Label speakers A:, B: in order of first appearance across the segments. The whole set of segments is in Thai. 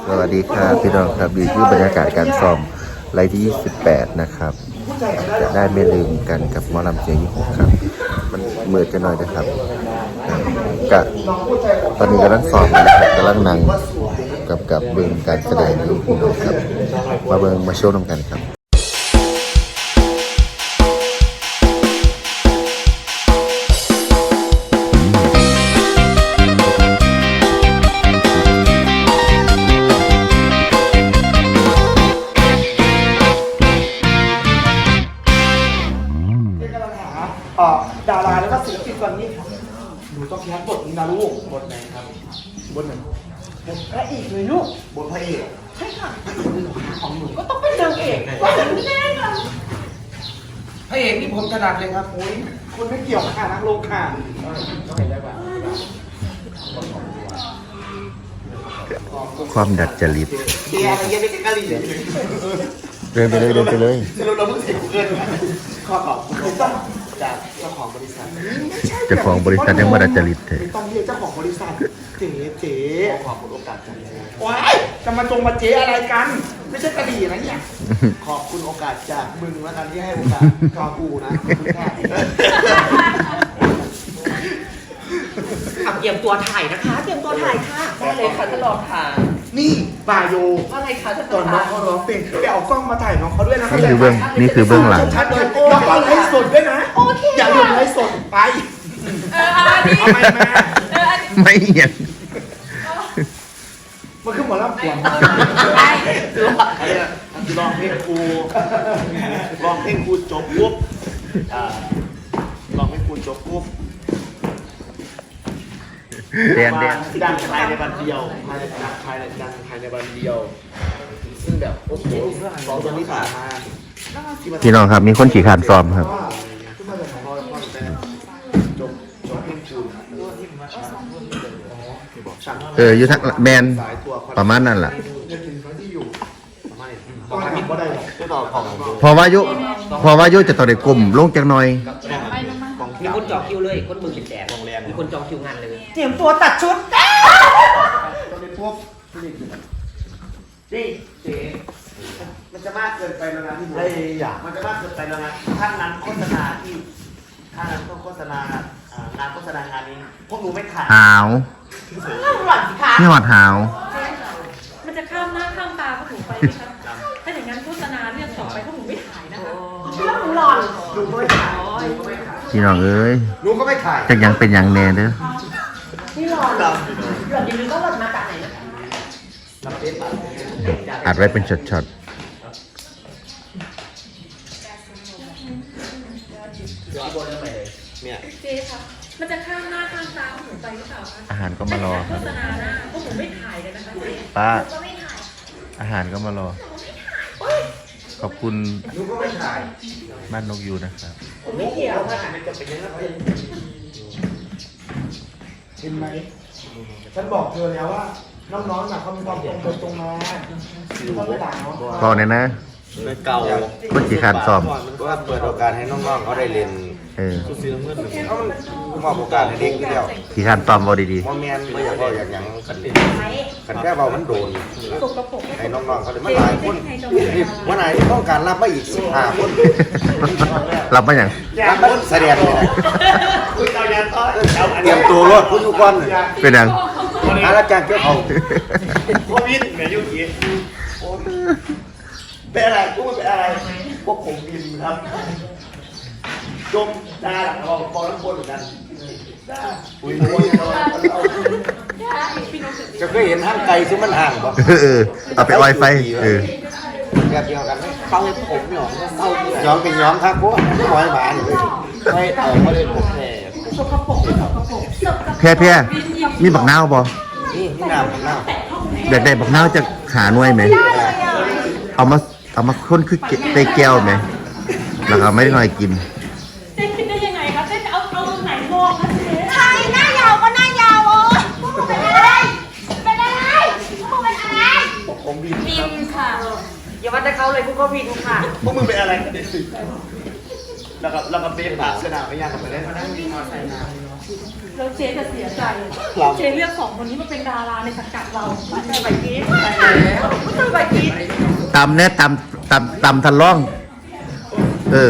A: สวัสดีครับพี่น้องครับนี่คือบรรยากาศการซ้อมไลฟ์ที่ 28 นะครับจะได้ไม่ลืมกันกับหมอลำเสียง26ครับมันมืดกันหน่อยนะครับกะตอนนี้กำลังซ้อมนะครับกำลังนั่งกับเบิ่งการแสดงอยู่ครับมาเบิ่งมาโชว์นำกันครับ
B: ดาราแล้วก็ศิลปินตอนนี้ครับหนูต้องแคสบทนี้นะลูกบทไหนครับบทไหนบทพระเอกเลยลูกบทพระเอกใช่ค่ะของหนูก็ต้องเป็นนางเอกก็ถึงแน่ค่ะพระเอกนี่ผมถนัดเลยครับโอ้ยคุณไม่เกี่ยวค่ะนักลงค่ะ
A: ความดัดจริต
B: เกียร์อะไรเงี้ยไม่ใช่กะหรี่
A: เดินไปเลยเราเพิ่งเสร็จ
B: เกินขอคุณจากเจ้าของบริษัท
A: เจ้าของบริษัทยังไม่ดัดจริตเลย
B: ต้องเรียกเจ้าของบริษัทเจ๊ขอบคุณโอกาสจังเลยว้ายจะมาเจ๊อะไรกันไม่ใช่กะหรี่นะเนี่ยขอบคุณโอกาสจากมึงแล้วกันที่ให้โอกาสกอกูนะขอบคุณค่ะ
C: เตรียมตัวถ่ายนะคะเตรียมตัวถ่ายค่ะได้เลยค่ะท่านรองค่ะ
B: นี่บาโย
C: อะไรคะท่าน
B: ตอนน้องเขาร้องเพลงไปเอากล้องมาถ่ายน้องเขาด้วยนะ
A: นี่คือเบื้องหลัง
B: ชัดเลยน้องเขาไลฟ์สดด้วยนะอย่าลืมไลฟ์สดไปเอาไปมา
A: ไม่เห็น
B: มันคือหมอลำขวัญลองเพลงครูจบปุ๊บลองเพลงครูจบปุ๊บดังภายในวันเดียวดังภายในวันเดียวซึ่งแบบโอ้โหสองตัวนี้ผ่านมา
A: พี่น้องครับมีคนขี่ขานซ้อมครับอยู่ทั้งแบนประมาณนั้นแหละพอวายุจะต่อเด็กกลุ่มลงจังหน่อย
C: มีคนจองคิวเลยคนมือเป็นแจกมีคนจองคิวงานเลย
B: เตรียมตัวตัดชุดนี่เจ๊มันจะมากเกินไปแล้วนะที่มันจะมากเกินไปแล้วนะท่านนั้นโฆษณาที่ท่านนั้นต้องโฆษณางานโฆษณางานนี้พวกหนูไม่ถ่าย
A: หาวนี่หอดหาว
D: มันจะข้ามหน้าข้ามตาพวกหนูไปนะคะถ้าอย่างนั้นโฆษณาเรื่องต่อไปพวกหนูไม่ถ่ายนะคะ
B: เรื่องหล่อนหนูก็ไม่ถ่าย
A: พี่น้องเอ้ย
B: หนูก็ไม่ถ่าย
A: จะยังเป็นยังแน่เด้อ
C: นี่หล่อนอย่าลืมว่าหล่อนมาจากไหนนะคะ
A: อัดไว้เป็นช็อต
D: เจ๊ค่ะมันจะข้ามหน้าข้ามตาพวกหนูไปหรือเปล่าคะ
A: อาหารก็มารอ
D: โฆษณาหน้าพวกหนูไม่ถ่ายเลยนะคะเจ๊
A: ป้าอาหารก็มารอขอบคุณบ้านนกยูนะครับ
C: ไม่เกี่ยวค่ะ
B: เห็นไหมฉันบอกเธอแล้วว่าน้องๆน่ะเขามีความตรงมาเขาไม่ด่าเนาะ
A: พอเนี่ยนะ
E: เก่า
A: คนขี่ขานซ้อม
E: ก็เปิดโอกาสให้น้องๆเขาได้เรียนสุดซีเมื่อหนึ่งเขามอบโอกาสให้เด็กที่แล้ว
A: ขี่ขานซ้อมบอดี
E: ๆว่าแมนไม่อยากว่าอย่างกันเลยกันแค่เบามันโดนให้น้องๆเขาเลยมาหลายคนวันไหนต้องการรับมาอีก15 คน
A: รับมาอย่าง
E: รับมาแสดงเลยเตรียมตัวรถผู้ทุกคน
A: เป็นอย่าง
E: อาจารย์เจ้าเขา
B: โควิดเหมือนยุคนี้เป็นอะไรพวกเป็นอะไรพวกผมบินครับจมดาหลังเราฟองน้ำบนเหมือนกันอุ้ย
E: จะเคยเห็นห้างไกลซึ่งมันห่างป่ะ
A: เอาไปไวไฟ
E: แบบเดียวกันเต้าผมหยองเต้าย้อมเป็นย้อมครับพวกไม่หอยหมาเลยไม่ได้ผม
A: แพ้มีบักนาวบ่
E: นี่น้ำ
A: เด็กได้บักนาวจะหาหน่วยไหมเอามาค้นคือเตยแก้วไหมแล้วก็ไม่ได้หน่อยกิน
D: เจ๊คิดได้ยังไงคะเจ๊จะเอาไหนมองคะเจ๊
F: ใครหน้ายาวก็หน้ายาวพวกมึงเป็นอะไรพวกมึงเป็นอะไร
B: ผมบิน
D: ค่ะ
C: อย่าวัดแต่เขาเลยพวกเขาบินค่ะ
B: พวกมึงเป็นอะไรกันเนี่ยแล้วก็เบฟผ่าสนามไม่ยากกันไปได้มานั่งวิ่งใส่น้ำ
D: แล้วเจ๊จะเสียใจเจ๊เลือก2 คนนี้มาเป็นดาราในสังกัดเราไม่ใช่ไหมเจ๊
A: ตำเนี่ยตำทันล่อง เออ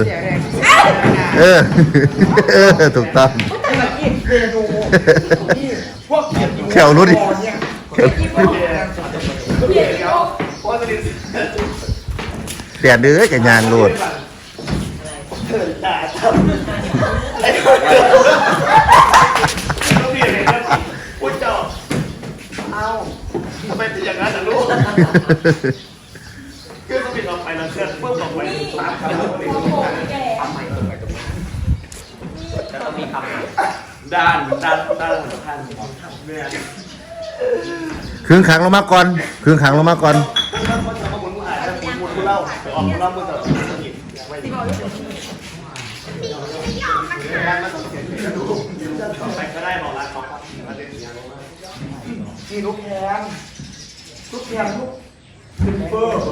A: ถูกต้องแถวรู้ดิแต่เด้อกับยางโลด
B: ทำไมเป็นอย่างนั้นล่ะลูกเครื่องก็ปิดออกไปแล้วเครื่องเพิ่มออกไปตามคำพูด
C: แล้วต้องมีคำ
B: ด้านท่านเนี่ย
A: ครึ่งขังลงมาก่อนครึ่งขังลงมาก่อน
B: ถ้าคนจะมาบุญผู้หายบุญผู้เล่าไปออกผู้เล่าเมื่อตอนนี้ไปก็ได้บอกรักเขานี่ลูกแคมลูกจูเฟอร์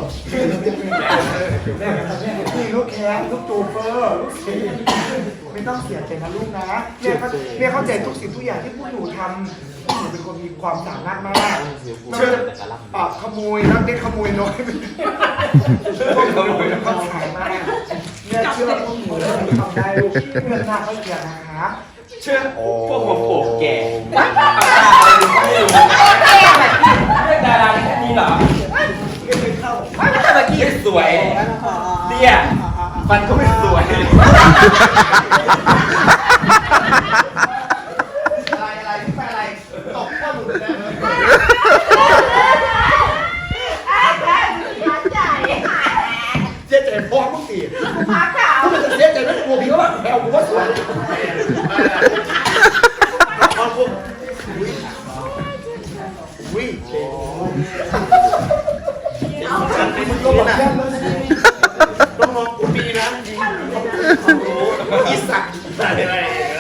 B: นี่ลูกแคมลูกจูเฟอร์ลูกเสียไม่ต้องเสียใจนะลูกนะเรียกเข้าใจทุกสิ่งทุกอย่างที่พวกหนูทำหนูเป็นคนมีความสามารถมากเชื่อขโมยรักเด็กขโมยน้อยขโมยความสามารถเนี่ยเชื่อพวกหนูทำได้ลูกเงินทางเขาเสียนะคะเชื่อพวกหัวโขกแก่ดาราแค่นี้เหรอแต่เมื่อกี้สวยเตี้ยฟันก็ไม่สวยอะไรตกข้อมือเลยเจ๊ใจพ่อมึงตีพักข่าวมันจะเจ๊ใจไม่กลัวพี่เขาแบบแถวกูว่าสวยวิ่งมึงก็บอกแค่ต้องมองกูปีนะอีสักอะไร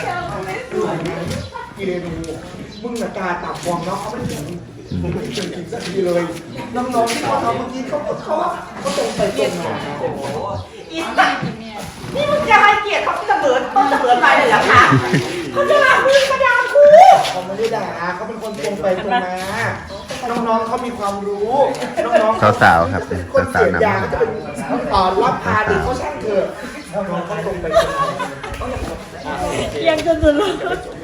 B: กีเรนูมึงน่ะตาตับฟองเนาะเขาไม่ถึงมึงไม่ถึงสักทีเลยน้องๆที่เขาทำเมื่อกี้เขาตรงไปตรงมา
F: อีสัตว์นี่มึงจะให้เกียรติเขาเสมอไปเลยเหรอคะเขาจะด่ามึงมาด่ากู
B: เขาไม่ได้ด่าเขาเป็นคนตรงไปตรงมาน้องๆเขามีความรู้น้องๆ
A: สาวๆครับ
B: คนเสีย
A: สาวๆ
B: ยาง
A: นำ
B: จะเป็นรับพาเด็กเขาช่างเถอะน้องๆเขาตรงไปตรงมา
F: ยังจนสุดลูก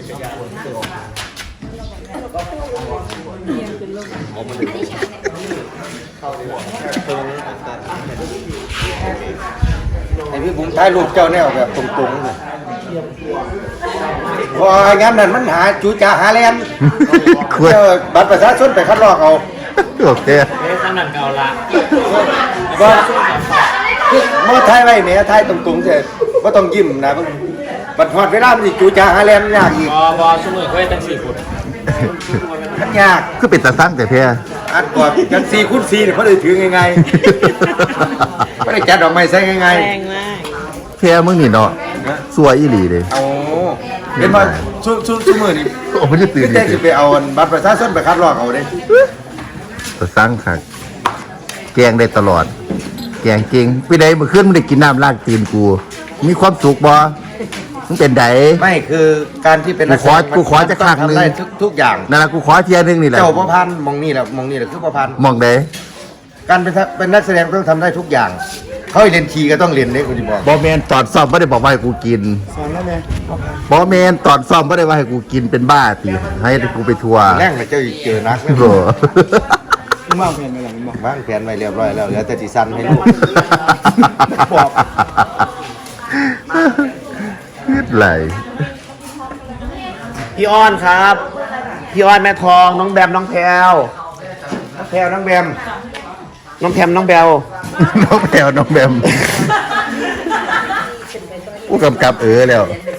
E: ไอพี่ผมถ่ายรูปเจ้าแนวแบบตรงๆเลยพองั้นนั่นมันหาจูจ่าหาแลนเจ้าบัตรประชาชนไปคัดลอกเอา
A: โอเค
C: ขนาดเก่าละ
E: ว่าเมื่อถ่ายไว้เนี่ยถ่ายตรงๆเสร็จว่าต้องยิ้มนะบัตรหอดเวลามันจูจ่าหาแลนยากอีก
C: บอสมือเคยตั้ง4 ฟุต
E: มันยาก
A: คือเป็นตาสร้างแต่เพีย
E: อัดกอดกัน4x4เนี่ยเขาเลยถือไงๆไม่ได้จัดดอกไม้ใส่ไงๆ
F: แรงมาก
A: เพียมึงนี่เนาะสวยอีหลีเลย
E: เอาเห็นว่าชูมือนี่
A: โอ้ไม่ได้ตื่น
E: พี่เต้จะไปเอาบัตรประชาชนไปคัดลอกเอาเด้
A: ตาสร้างค่ะแกงได้ตลอด แกงเก่งพี่ใดเมื่อคืนมึงได้กินน้ำลากตีนกู มีความสุขบ่มึงเป็นได
E: ไม่คือการที่เป็น
A: กูขอจะข้างนึง
E: ทำได้ทุกอย่าง
A: นั่นแหละกูขอเทียนึงนี่แหละ
E: เจ้าประพันธ์มองนี่แหละคือประพันธ์
A: มองได
E: การเป็นนักแสดงต้องทำได้ทุกอย่าง เขาให้เรียนทีก็ต้องเรียนเด้คุณจะบอก
A: บอแมนตอนซ่อมไม่ได้บอกว่าให้กูกิน
B: สอนแล้วไง
A: บอแมนตอนซ่อมไม่ได้ว่าให้กูกินเป็นบ้าตีให้กูไปทัวร์
E: แรงเลยเจ้าเจอนัก
A: โห
B: มึงวางแผนไว้หลังมึงบอก
E: วางแผนไว้เรียบร้อยแล้วเหลือแต่สีสันให้ลูก
B: บอก
A: ยืดไหล
E: พี่อ้อนครับพี่อ้อนแม่ทองน้องแบมน้องแพรวน้องแพรวน้องแบมน้องแพมน้องแบล
A: น้องแพรวน้องแบมผู้กำกับแล้ว